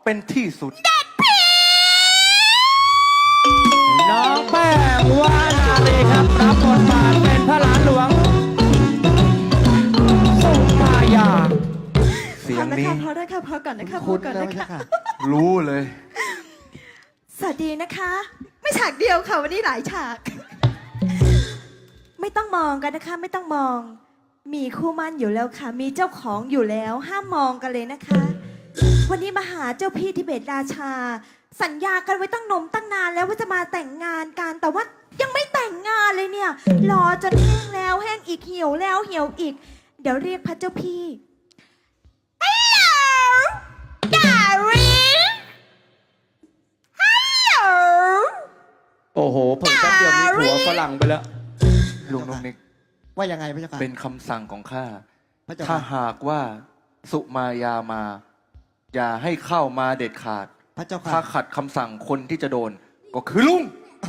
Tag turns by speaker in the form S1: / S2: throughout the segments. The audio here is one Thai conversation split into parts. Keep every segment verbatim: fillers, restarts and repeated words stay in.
S1: เป็นที่สุด
S2: น้องแป้งวานาลีครับรับบทบาทเป็นพระหลานหลวงสุมายา
S1: เสียงนี้
S3: พอได้ค่ะพอก่อนนะคะพอก่อนนะคะ
S1: รู้เลย
S3: สวัสดีนะคะ ไม่ฉากเดียวค่ะวันนี้หลายฉาก ไม่ต้องมองกันนะคะ ไม่ต้องมอง มีคู่มั่นอยู่แล้วค่ะ มีเจ้าของอยู่แล้วห้ามมองกันเลยนะคะ วันนี้มาหาเจ้าพี่ทิเบตราชา สัญญากันไว้ตั้งนมตั้งนานแล้วว่าจะมาแต่งงานกันแต่ว่ายังไม่แต่งงานเลยเนี่ยรอจนแห้งแล้วแห้งอีกเหี่ยวแล้วเหี่ยวอีก เดี๋ยวเรียกพระเจ้าพี่ Hello darling Hello
S2: โอ้โหผมแป๊บเดียวมีผัวฝรั่งไปแล้ว
S1: ลุงนกนิก
S4: ว่ายังไงพระเจ้าค่ะ
S1: เป็นคำสั่งของข้า
S4: พระเจ้า
S1: ถ้า
S4: ค่ะ
S1: หากว่าสุมายามา อย่าให้เข้ามาเด็ดขาด
S4: พระเจ้าค่ะ
S1: ถ้าขัดคำสั่งคนที่จะโดน ก็คือลุง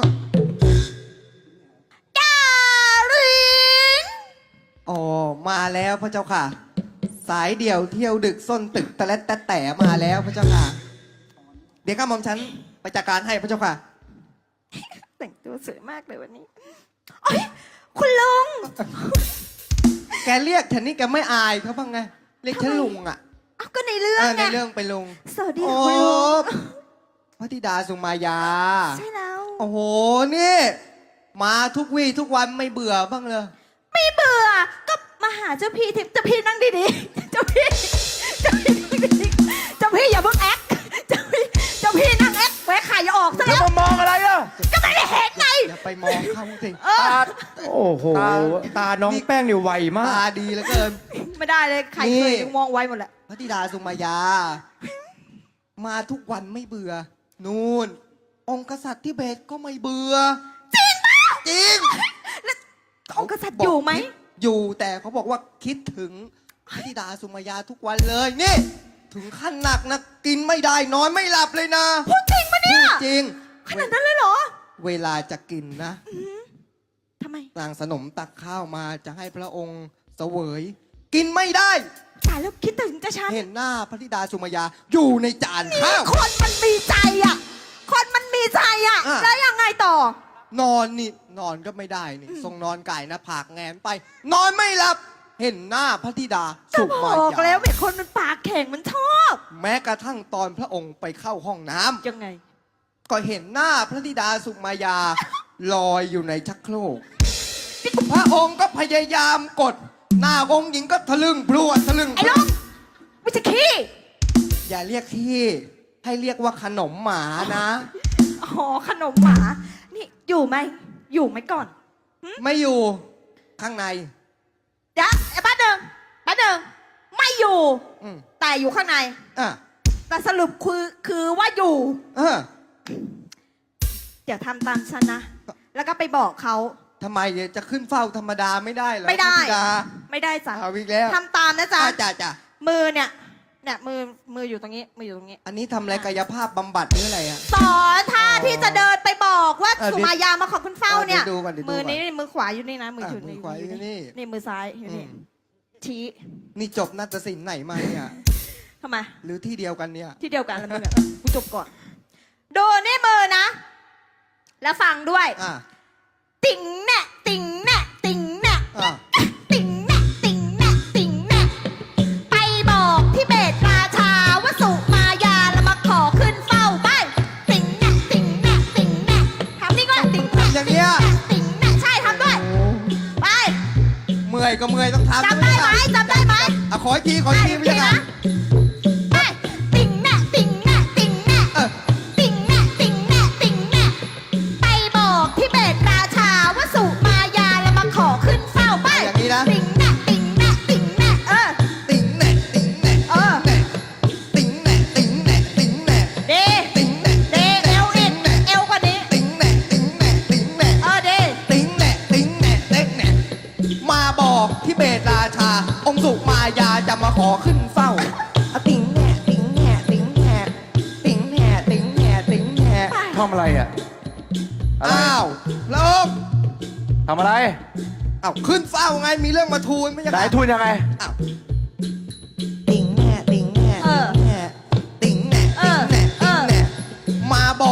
S3: darling
S4: อ๋อมาแล้วพระเจ้าค่ะ สายเดี่ยวเที่ยวดึกส้นตึกตะเล็ดตะแต่มาแล้วพระเจ้าค่ะ เดี๋ยวข้าหม่อมฉันไปจัดการให้พระเจ้าค่ะ
S3: แต่งตัวสวยมากเลยวันนี้โอ๊ยคุณลุง
S4: แกเรียกฉันนี่แกไม่อายเขาบ้างไงเรียกฉันลุงอ่ะ
S3: เอาก็ในเรื่อง
S4: เออใน
S3: ไง
S4: เรื่องไปลุง
S3: สวัสดี
S4: โอ้
S3: ค่ะคุณลุง
S4: พระธิดาสุมายา
S3: ใช่แล้ว
S4: โอ้โหนี่ มาทุกวี่ทุกวันไม่เบื่อบ้างเลย
S3: ไม่เบื่อก็มาหาเจ้าพี่ทิพย์เจ้าพี่นั่งดีๆเจ้าพี่เจ้าพี่นั่งดีๆเจ้าพี่อย่าเพิ่งแอคเจ้าพี่เจ้าพี่นั่งแอคแหวะไข่อย่าออกซะ
S1: แล้
S3: แล้ว ว
S1: มามองอะไรอ่ะ
S3: ก็ไม่ได้เห็นไง
S4: อย่าไปมองเขาสิ
S3: เออ
S1: ตา
S2: โอ้โห
S1: ตา
S2: ตาน้องแป้งนี่ไวมา
S4: ตาก ดีเหลือเกิน
S3: ไม่ได้เลยใครเคย
S4: นี่
S3: มองไว้หมดแหละ
S4: พระธิดาสุมายา มาทุกวันไม่เบื่อ นู่น องค์กษัตริย์ที่เบตก็ไม่เบื่อ
S3: จริงปะ
S4: จริง
S3: องค์กษัตริย์อยู่ไหม
S4: อยู่แต่เขาบอกว่าคิดถึงพระธิดาสุมายาทุกวันเลยนี่ ถึงขั้นหนักนะกินไม่ได้นอนไม่หลับเลยนะ
S3: พูดจริงปะเนี่ย
S4: พูดจริง
S3: ขนาดนั้นเลยเหรอ
S4: เวลาจะกินนะ
S3: ทำไม
S4: นางสนมตักข้าวมาจะให้พระองค์เสวย กินไม่ได้
S3: ตายแล้วคิดถึงจะฉัน
S4: เห็นหน้าพระธิดาสุมายาอยู่ในจานข้าว
S3: คนมันมีใจอ่ะ คนมันมีใจอ่ะ
S4: อ่ะ
S3: แล้วยังไงต่อ
S4: นอนนี่นอนก็ไม่ได้นี่ทรงนอนไก่หนะผากแงนไป นอนไม่หลับ เห็นหน้าพระธิดา
S3: ก็
S4: สุ
S3: บ
S4: มา
S3: อก
S4: ยา
S3: แล้วเห็นคนมันปากแข็งมันชอบ
S4: แม้กระทั่งตอนพระองค์ไปเข้าห้องน้ำ
S3: ยังไง
S4: ก็เห็นหน้าพระธิดาสุมายาลอยอยู่ในชักโครกพระองค์ก็พยายามกด หน้าองค์หญิงก็ทะลึ่งพรวดทะลึ่ง
S3: ไอ้ลุงไม่ใช่ขี้
S4: อย่าเรียกที่ให้เรียกว่าขนมหมานะ
S3: อ๋อขนมหมา นี่อยู่ไหม อยู่ไหมก่อน
S4: ไม่อยู่ข้างใน
S3: เดี๋ยวไอ้ป้าหนึ่งป้าหนึ่งไม่อยู่
S4: อืม
S3: แต่อยู่ข้างใน
S4: อ่ะ
S3: แต่สรุปคือคือว่าอยู่
S4: เออ
S3: เดี๋ยวทำตามฉันนะ แล้วก็ไปบอกเขา
S4: ทำไมจะขึ้นเฝ้าธรรมดาไม่ได้เหรอ
S3: ไม่ได้
S4: พระธิดา
S3: ไม่ได้จ้ะ
S4: เอาอีกแล้ว
S3: ทำตามนะจ๊ะ
S4: อ่ะจ้ะจ้ะ
S3: มือเนี่ย เนี่ยมือมืออยู่ตรงนี้ มืออยู่ตรงนี้
S4: อันนี้ทำอะไรกายภาพบำบัดหรืออะไรอ่ะ
S3: สอนท่าที่จะเดินไปบอกว่า
S4: เออ
S3: สุมายามาขอคุณเฝ้าเนี่ย
S4: เดี๋ยวดูก่อนเดี๋ยวดูก่
S3: มื
S4: อน
S3: อนี้มือขวาอยู่นี่นะ มือ
S4: อ่ะ
S3: ถือ
S4: มือขวาอยู่นี่
S3: นี่มือซ้ายอยู่นี่
S4: อืม
S3: ชี้
S4: นี่จบนาฏศิลป์ไหนมาเนี่ย
S3: ทำไม
S4: หรือที่เดียวกันเนี่ย
S3: ที่เดียวกันแล้วมึงอะกูจบก่อน ดูนี่มือนะ แล้วฟังด้วย
S4: อ่ะ
S3: ติ่งแน่ติ่งแน่ติ่งแน่
S4: อ่ะ
S3: ติ่งแน่ติ่งแน่ติ่งแน่ไปบอกที่เบตราชาว่าสุมายาแล้วมาขอขึ้นเฝ้าไปติ่งแน่ติ่งแน่ติ่งแน่ทำนี่ก็ติ่งแน่
S4: อย่างเงี้ย
S3: ติ่งแน่ใช่ทำด้วย ไป
S4: เมื่อยก็เมื่อยต้องทำ
S3: จำได้ไหมจำได้ไหม
S4: อ่ะขออีกทีขออีกทีไม่ใช่ไง
S3: ไปติ่งแน่ติ่งแน่ติ่งแน่
S4: เออ
S3: ติ่งแน่ติ่งแน่ติ่งแน่ไปบอกที่เบตราชาว่าสุมายาแล้วมาขอขึ้นเฝ้าไป
S4: อย่างนี้นะ
S3: ติ่งแน่ติ่งแน่ติ่งแน่เออ
S4: ติ๋งแหน่ติ๋งแหน่
S3: เออ
S4: ติ๋งแหน่ติ๋งแหน่ติ๋งแหน่
S3: เด
S4: ติ๋งแหน่
S3: เดเอวอีกเอวกว่านี้
S4: ติ๋งแหน่ติ๋งแหน่ติ๋งแหน่
S3: เออเด
S4: ติ๋งแหน่ติ๋งแหน่ติ๋งแหน่มาบอกที่เบตราชา องค์สุมายาจะมาขอขึ้นเฝ้าอ่ะติ๋งแหน่ติ๋งแหน่ติ๋งแหน่ติ๋งแหน่ติ๋งแหน่ติ๋งแหน่
S1: ทำอะไรอ่ะอะไร
S4: อ้าวแล้ว
S1: ทำอะไร
S4: อ้าวขึ้นเฝ้าไงมีเรื่องมาทูลไม่ใช่
S1: ไหนทุนยังไง
S4: อ้าวติ๋งแหน่ติ๋งแหน่
S3: เออ
S4: ติ๋งแหน่
S3: เออ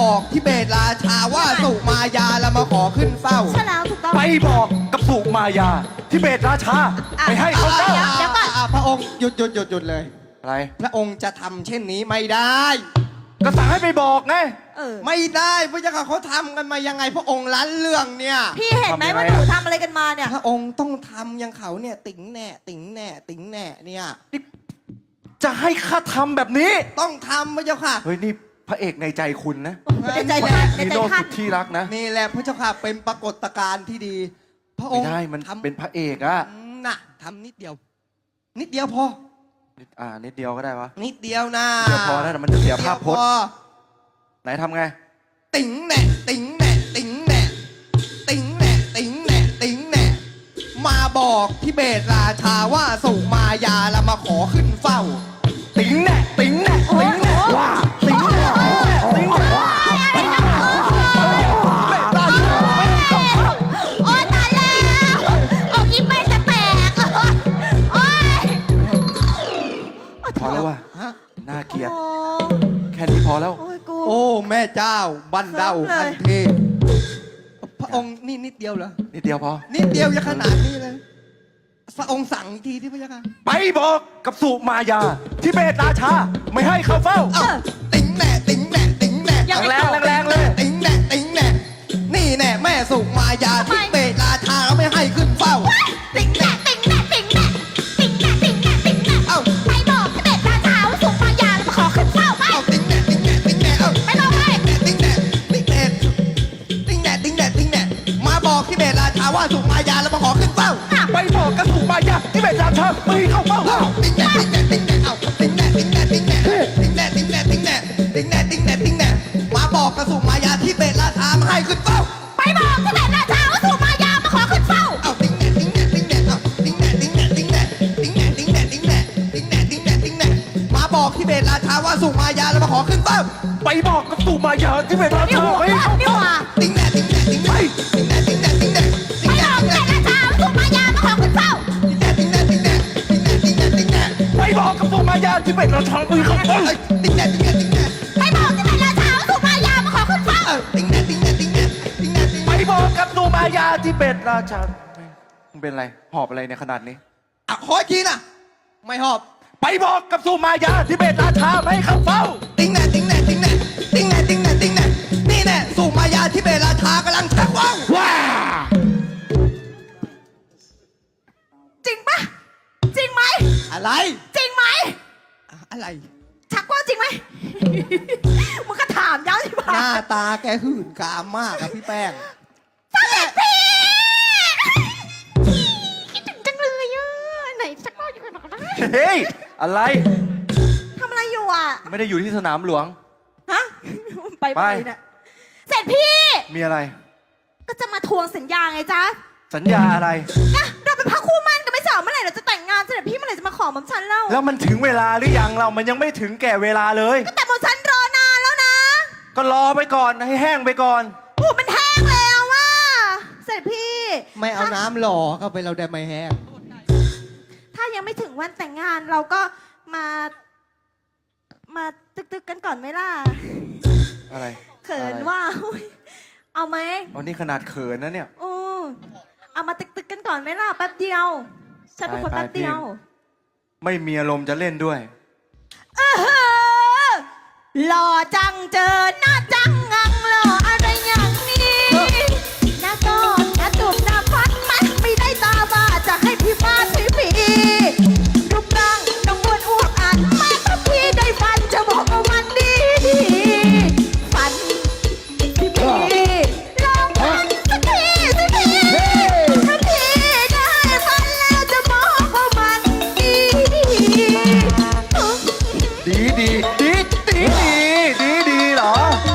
S4: บอกที่เบตราชาว่าสุมายาแล้วมาขอขึ้นเฝ้า
S3: ใช่แล้วถูกต้อง
S1: ไปบอกกับสุมายาที่เบตราชา
S3: อ่ะ
S1: ไม่ให้เขาเจ้า
S3: เดี๋ยวเดี๋ยวก่อน
S4: อ่ะพระองค์หยุดหยุดหยุดหยุดเลย
S1: อะไร
S4: พระองค์จะทำเช่นนี้ไม่ได้
S1: ก็สั่งให้ไปบอกไง
S3: เออ
S4: ไม่ได้พระเจ้าค่ะเขาทำกันมายังไงพระองค์ล้านเรื่องเนี่ย
S3: พี่เห็นไหม
S1: ทำยังไง
S3: ว่าหนูทำอะไรกันมาเนี่ย
S4: พระองค์ต้องทำอยังเขาเนี่ย ติ๋งแหน่ติ๋งแหน่ติ๋งแหน่เนี่ย
S1: จะให้ข้าทำแบบนี้
S4: ต้องทำพระเจ้าค่ะ
S1: เฮ้ยนี่พระเอกในใจคุณนะ
S3: ในใจท่านใน
S1: นี
S3: ใจ
S1: โน่
S3: ท่า
S1: สุ
S3: น
S1: ดที่รักนะ
S4: นี่แหละพระเจ้าค่ะเป็นปรากฏการณ์ที่ดี พระอ
S1: ไม่
S4: งค์
S1: ได้มัน
S4: ทำ
S1: เป็นพระเอกอะ
S4: น่ะทำนิดเดียว นิดเดียวพอ
S1: นิดอ่านิดเดียวก็ได้วะ
S4: นิดเดียวนะ
S1: เดี๋ยวพอนะเดี๋ยวมันจะเสียภาพพจน์
S4: นิดเดียวพอ
S1: ไหนทำไง
S4: ติ๋งแหน่ติ๋งแหน่ติ๋งแหน่ติ๋งแหน่ติ๋งแหน่ติ๋งแหน่มาบอกที่เบตราชาว่าสุมายาแล้วมาขอขึ้นเฝ้า
S1: ติ๋งแน่ติ๋งแน่ติ๋งแน่ว่าติ๋งแน่ติ๋งแน่ว่าเบตราชาไม่ให้เข้าเฝ้า
S3: โอ๊ยตายแล้วอกยิ้มไม่จะแตกโอ๊ย
S1: พอแล้วว่ะ
S4: ฮะ
S1: น่าเกลียด
S3: โอ้
S1: แค่นี้พอแล้ว
S3: โอ้ยกู
S4: โอ้แม่เจ้าบันเดา
S3: ครั
S4: คั
S3: บ
S4: น
S3: เลย
S4: เทพพระองค์นี่นิดเดียวเหรอ
S1: นิดเดียวพอ
S4: นิดเดียวจะขนาดนี้เลยพระองค์สั่งอีกทีที่พระเจ้าค่ะ
S1: ไปบอกกับสุมายาที่เบตราชาไม่ให้เข้าเฝ้า
S4: เอ้าติ๋งแหน่ติ๋งแหน่ติ๋งแหน่
S1: แรงแรงๆเลย
S4: ติ๋งแหน่ติ๋งแหน่นี่แน่แม่สุมายาที่เบตราชาไม่ให้ขึ้นเฝ้า
S3: ติ่งแหน่ติ่งแหน่ติ่งแหน่ติ่งแหน่ติ่งแหน่ติ่งแหน่
S4: เอ้า
S3: ไปบอกที่เบตราชาว่าสุมายาแล้วมาขอขึ้นเฝ้าไป
S4: เอาติ๋งแหน่ติ๋งแหน่ติ๋งแหน่เอ้า
S3: ไปบอกไป
S4: ติ๋งแหน่ติ๋งแหน่ติ๋งแหน่ติ๋งแหน่ติ๋งแหน่มาบอกที่เบตราชาว่าสุมายาแล้วมาขอขึ้นเฝ้า
S1: ไปบอกกับสุมายาที่เบตราชาไม่ให้เข้าเฝ้า
S4: เอ้าติ๋งแหน่ติ๋งแหน่ติ๋งแหน่เอ้าติ๋งแหน่ติ๋งแหน่ติ๋งแหน่ติ๋งแหน่ติ๋งแหน่ติ๋งแหน่ติ๋งแหน่ติ๋งแหน่ติ๋งแหน่มาบอกกับสุมายาที่เบตราชามาให้ขึ้นเฝ้า
S3: ไปบอกที่เบตราชาว่าสุมายามาขอขึ้นเฝ้า
S4: เอาติ๋งแหน่ติ๋งแหน่ติ๋งแหน่เอาติ๋งแหน่ติ๋งแหน่ติ๋งแหน่ติ๋งแหน่ติ๋งแหน่ติ๋งแหน่ติ๋งแหน่ติ๋งแหน่ติ๋งแหน่มาบอกที่เบตราชาว่าสุมายาแล้วมาขอขึ้นเฝ้า
S1: ไปบอกกับสุมายาที่เบตรา
S3: นี่
S1: ชา
S3: หัว
S1: ไม่ให้เข้า
S3: นี่
S1: เฝ้า
S3: หัว
S4: ติ๋งแหน่ติ๋งแหน่ติ๋งแหน่ติ๋งแหน่ติ๋งแหน่ติ๋งแหน่
S3: ไปบอกที่เบตราชาว่าสุมายามาขอขึ้นเฝ้า
S4: ติ๋งแหน่ติ๋งแหน่ติ๋งแหน่ติ๋งแหน่ติ๋งแหน่ติ๋งแหน่
S1: ไปบอกกับสุมายาที่เบตราชาไม่ให้เข้าเฝ้า
S4: เอ้ยติ๋งแหน่ติ๋งแหน่ติ๋งแหน่
S3: ไปบอกที่เบตราชาว่าสุมายามาขอขึ้นเฝ้า
S4: เอ้ยติ๋งแหน่ติ๋งแหน่ติ๋งแหน่ติ๋งแหน่ติ๋งแห
S1: ไป
S4: น่
S1: บอกกับสุมายาที่เบตราชามึงเป็นไรหอบอะไรในยขนาดนี้
S4: อ่ะขออีกทีนะไม่หอบ
S1: ไปบอกกับสุมายาที่เบตราชาไม่ให้เข้าเฝ้า
S4: ติ๋งแหน่ติ๋งแหน่ติ๋งแหน่ติ๋งแหน่ติ๋งแหน่ติ๋งแหน่นี่แน่สุมายาที่เบตราชากำลังชักว่าว
S1: ว้า
S3: จริงปะจริงไหม
S4: อะไร
S3: จริงไหม
S4: อ่ะอะไร
S3: ชักว่าวจริงไหม มึงก็ถามย้ำสิ
S4: ห
S3: บ้า
S4: น้าตาแกหื่นกามมากครับพี่แป้ง
S3: เสด็จพี่คิดถึงจังเลยอ่ะไหนชักว่าวอยู่กันหรอนะ
S1: เฮ้ยอะไร
S3: ทำอะไรอยู่อ่ะ
S1: ไม่ได้อยู่ที่สนามหลวง
S3: ฮะ ไป
S1: ไป
S3: ไปเนี่ยเสร็จพี่
S1: มีอะไร
S3: ก็จะมาทวงสัญญาไงจ๊ะ
S1: สัญญาอะไร
S3: นะเราเป็นพระคู่มั่นกันไม่ใช่เหรอเมื่อไหร่เราจะแต่งงานเสด็จพี่เมื่อไหร่จะมาขอหม่อมฉันเล่า
S1: แล้วมันถึงเวลาหรือยังเรา มันยังไม่ถึงแก่เวลาเลย
S3: ก็แต่หม่อมฉันรอนานแล้วนะ
S1: ก็รอไปก่อนให้แห้งไปก่อน
S3: โอ้มันแห้งแล้วว่ะเสด็จพี่
S4: ไม่เอาน้ำหล่อเข้าไปเราได้ไม่แห้ง
S3: ถ้ายังไม่ถึงวันแต่งงานเราก็มา มาตึกๆกันก่อนไหมล่ะ
S1: อะไร
S3: เขิน
S1: อะไร
S3: ว่าอุ๊ยเอาไหม
S1: อ๋อนี่ขนาดเขินนะเนี่ย
S3: โอ้เอามาตึกๆกันก่อนไหมล่ะแป๊บเดียว ฉันเป็นคน
S1: ไปไป
S3: แป๊บเดียว
S1: พี่ ไม่มีอารมณ์จะเล่นด้วย
S3: เออหล่อจังเจอหน้าจังงังหล่ออะไรอย่างนี้หน้าก้อนหน้าจุ่มหน้าฟันมันไม่ได้ตาบ้าจะให้พี่มาสิพี่รูปร่างน้องอ้วนอ้วกอันมาถ้าพี่ได้ฟันจะบอกว่าวันดีฟันพี่พี่ลองฟันสักทีสิพี่ถ้าพี่ได้ฟันแล้วจะบอกว่ามันดี
S1: ดีดีดีดีดีดีดีเหรอ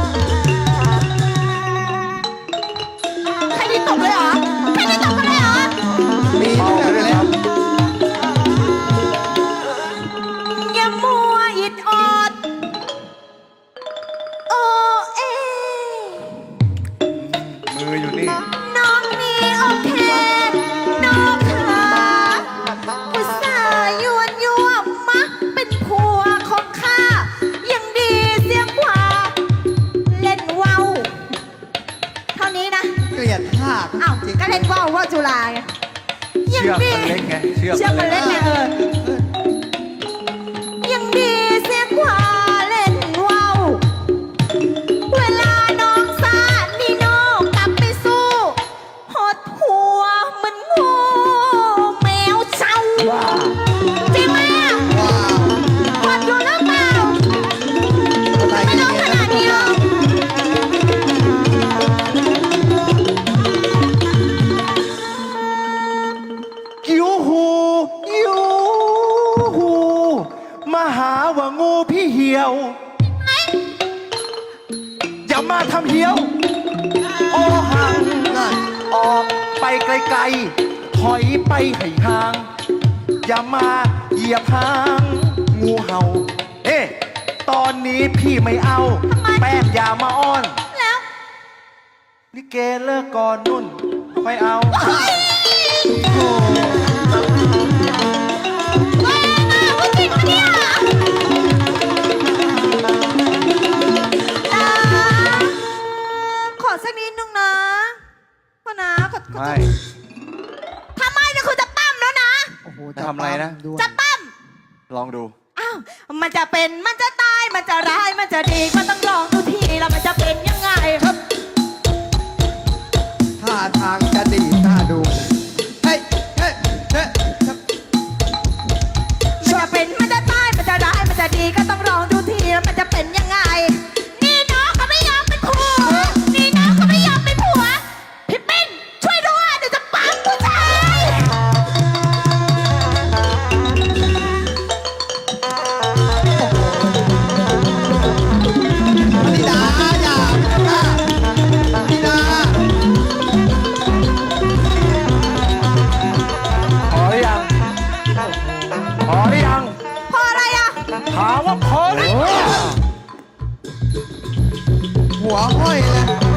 S1: ชือกมันเล็กไงเชือก
S3: เชือกมันเล็กไงเออยังดีเสียกว่าเล่นว่าวเวลาน้องสาดนี่น้องกลับไปสู้หดหัวเหมันงูแมวเช่า
S2: ว้า
S3: จริงไหมอะ
S4: ว้าว
S3: หดอยู่หรือเปล่า
S4: อะไร
S3: ไม่
S4: กัน
S3: ต้อง
S4: เนี่ย
S3: ขนาดนี้หรอก
S1: กิ้วหูกิ้วหูมาหาว่างูพี่เหี่ยว อย่ามาทำเหี่ยว โอหัง
S4: นั่น
S1: ออกไปไกลๆ ถอยไปให้ห่าง อย่ามาเหยียบหางงูเห่า เอ๊ะ ตอนนี้พี่ไม่เอา แป้งอย่ามาอ้อน
S3: แล้ว
S1: ลิเกเลิกก่อนนุ่นค่อยเอา
S3: เฮ้ยแรงอะพูดจริงปะเนี่ยอ่าขอสักนิดนึงนะพ่อนะขอขอ
S1: ไม่
S3: ทำไมเนี่ยคือจะปั้มแล้วนะ
S4: โอ้โห
S1: ทำอะไรนะ
S4: ด้วย
S3: จะปั้ม
S1: ลองดู
S3: อ้าว มันจะเป็น มันจะตาย มันจะร้าย มันจะดี มันต้องลองดูทีแล้วมันจะเป็นยังไงครับ
S4: ท่าทางจะดีน่าดู เฮ้ย เฮ้ย เฮ้ย
S3: มันจะเป็น มันจะตาย มันจะร้าย มันจะดีก็ต้องลองดูทีแล้วมันจะเป็นยังไง นี่น้องเขาไม่ยอมเป็นผัว นี่น้องเขาไม่ยอมเป็นผัว พี่ปิ้นช่วยด้วยเดี๋ยวจะปั๊มผู้ชาย
S4: ธิดาอย่าธิดา
S1: พอหรือยัง พอหรือยัง
S3: พออะไรอ่ะ
S1: ถามว่าพอหรือยัง
S4: หัวห้อยเลย